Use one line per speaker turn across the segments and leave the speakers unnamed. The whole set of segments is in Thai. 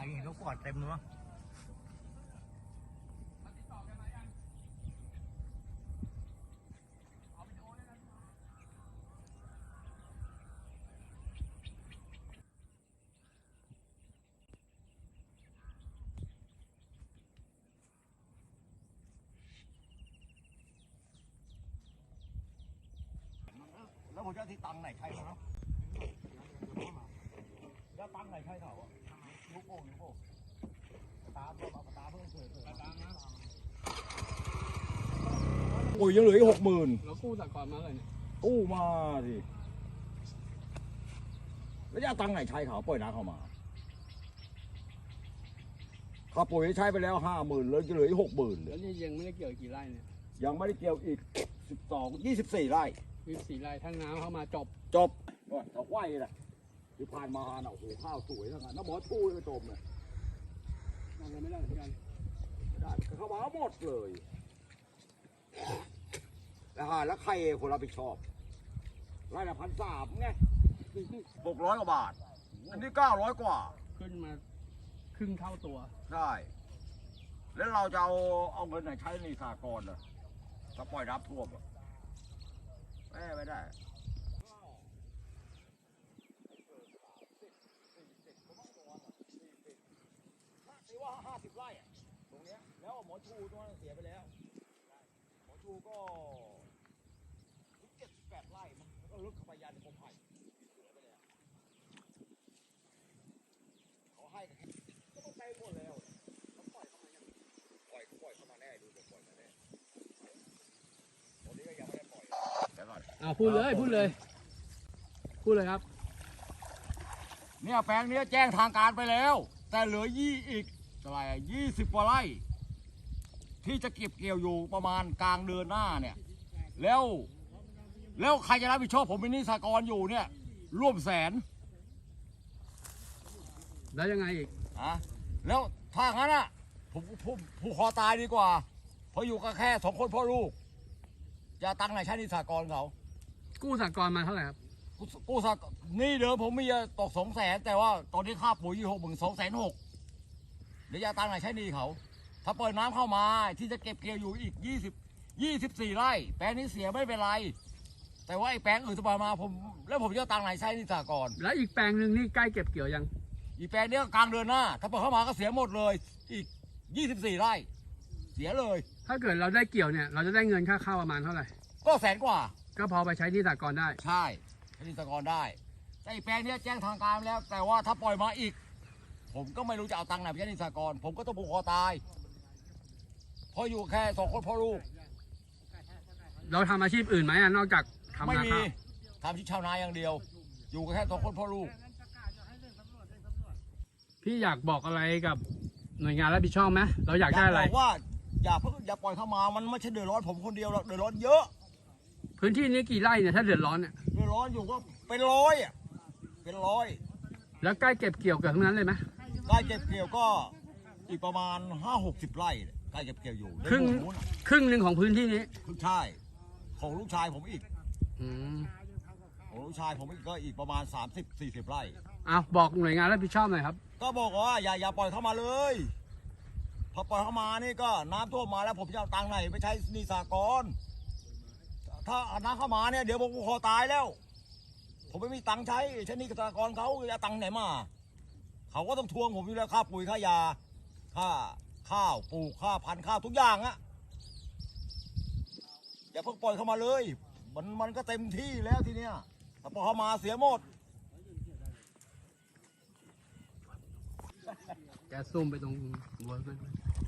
เห็นเขากอดเต็มเลยมั้งแล้วผมจะที่ตังไหนใช่ไหมแล้วตังไหนใช่เขาอ่ะลูกโป่งตาเพิ่งเกิดปุ๋ยยังเหลืออีก60,000
เรากู้จากก่อนมาเลยเนี่ย
กู้มาสิแล้วจะตังไหนใช้เขาปล่อยน้ำเข้ามาข้าปุ๋ยใช้ไปแล้ว50,000แล้วจะเหลืออีก60,000
แล้วนี่ยังไม่ได้เกี่ยวกี่ไร่เนี่ย
ยังไม่ได้เกี่ยวอีก24 ไร่
24 ไร่ทั้งน้ำเข้ามาจบ
ก็เขาไหวแหละที่ผ่านมาเนาะโอ้โหข้าวสวยทั้งนั้นน้ำหมอชูเลยจมเลย
ยังไม่ได้เหมือนกัน
ได้เขามาหมดเลยแล้วใครคนรับผิดชอบไร่ละ1,300ไง600 กว่าบาทอันนี้900 กว่า
ขึ้นมาครึ่งเท่าตัว
ได้แล้วเราจะเอาเงินไหนใช้ในสหกรณ์อ่ะถ้าปล่อยน้ำท่วมไม่ได้ที่ว่า50 ไร่อะตรงเนี้ยแล้วหมอชูตรงนั้นเสียไปแล้วหมอชูก็78 ไร่มันก็ลึกเข้าไปยันกรมไผ่เสียไปแล้วเขาให้ก็ต้องใช้หมดแล้วเขาปล่อยเข้ามาปล่อยเข้ามาแน่ดูปล่อยมาแน่ตอนนี้ก็ยังไม่ได้ปล่อยเดี๋ยวก่อน
พูดเลยครับ
เนี่ยแปลงนี้แจ้งทางการไปแล้วแต่เหลืออีกเท่าไหร่20 กว่าไร่ที่จะเก็บเกี่ยวอยู่ประมาณกลางเดือนหน้าเนี่ยแล้วใครจะรับผิดชอบผมเป็นหนี้สหกรณ์อยู่เนี่ยร่วม100,000
แล้วยังไงอีก
แล้วถ้างั้นอ่ะผมผูกคอตายดีกว่าเพราะอยู่กันแค่2 คนพ่อลูกจะตังค์ไหนใช้หนี้สหกรณ์เขา
กู้สหกรณ์มาเท่าไหร่ครับ
กู้สหกรณ์นี่เดิมผมมีตก200,000แต่ว่าตอนนี้ค่าปุ๋ยอยู่62,600เดี๋ยวจะตังค์ไหนใช้หนี้เขาถ้าเปิดน้ำเข้ามาที่จะเก็บเกี่ยวอยู่อีก24 ไร่แปลงนี้เสียไม่เป็นไรแต่ว่าไอ้แปลงอื่นจะมาผมจะตังค์ไหนใช้หนี้สหกรณ์
แล้วอีกแปลงหนึ่งนี่ใกล้เก็บเกี่ยวยัง
อีแปลงนี้กลางเดือนหน้าถ้าเปิดเข้ามาก็เสียหมดเลยอีก24 ไร่เสียเลย
ถ้าเกิดเราได้เกี่ยวเนี่ยเราจะได้เงินค่าข้าวประมาณเท่าไหร่
ก็100,000 กว่า
ก็พอไปใช้ที่สหกรณ์ได้
ใช่ใช้ที่สหกรณ์ได้แต่อีแปลงนี้แจ้งทางการแล้วแต่ว่าถ้าปล่อยมาอีกผมก็ไม่รู้จะเอาตังค์ไหนไปใช้ที่สหกรณ์ผมก็ต้องผูกคอตายเพราะอยู่แค่2 คนพ่อลูก
เราทำอาชีพอื่นไหมนอกจากทำนาข้าว
ทำที่ชาวนาอย่างเดียวอยู่แค่2 คนพ่อลูก
พี่อยากบอกอะไรกับหน่วยงานรับผิดชอบไหมเราอยากได้อะไร
บอกว่าอย่าปล่อยเข้ามามันไม่ใช่เดือดร้อนผมคนเดียวหรอกเดือดร้อนเยอะ
พื้นที่นี้กี่ไร่เนี่ยถ้าเดือดร้อนเนี่ย
เดือดร้อนอยู่ก็เป็นร้อย
แล้วใกล้เก็บเกี่ยวกับทั้งนั้นเลยไหม
ใกล้เก็บเกี่ยวก็อีกประมาณ50-60 ไร่ใกล้เก็บเกี่ยวอยู่
ครึ่งหนึ่งของพื้นที่นี้
ใช่ของลูกชายผมอีกของลูกชายผมอีกก็อีกประมาณ30-40 ไร่
บอกหน่วยงานรับผิดชอบหน่อยครับ
ก็บอกว่าอย่าปล่อยเข้ามาเลยพอปล่อยเข้ามานี่ก็น้ำท่วมมาแล้วผมจะเอาตังค์ไหนไปใช้หนี้สหกรณ์ถ้าน้ำเข้ามาเนี่ยเดี๋ยวผมคอตายแล้วผมไม่มีตังค์ใช้หนี้สหกรณ์เขาจะตังค์ไหนมาเขาก็ต้องทวงผมอยู่แล้วค่าปุ๋ยค่ายาค่าข้าวปลูกค่าพันธุ์ข้าวทุกอย่างอะอย่าเพิ่งปล่อยเข้ามาเลยมันก็เต็มที่แล้วทีเนี้ยถ้าปล่อยเข้ามาเสียหมด
แกซุ่มไปตรงหัวมัน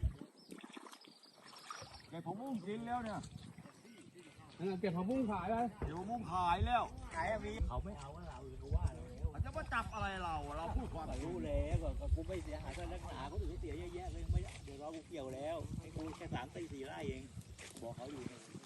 เก็บผักบุ้งกินแล้วเนี่ย
เก็บผักบุ้งขายเลย
เดี๋ยวผักบุ้งขายแล้ว
ขายมีเขาไม่เอาเราเขาว่าแล้ว
จะมาจับอะไรเราพูดความ
รู้แล้วก็กูไม่เสียหายก็นักหนาเขาถึงเสียเยอะแยะเลยไม่เดี๋ยวเรากูเกี่ยวแล้วให้กูแค่3-4 ไร่เองบอกเขาอยู่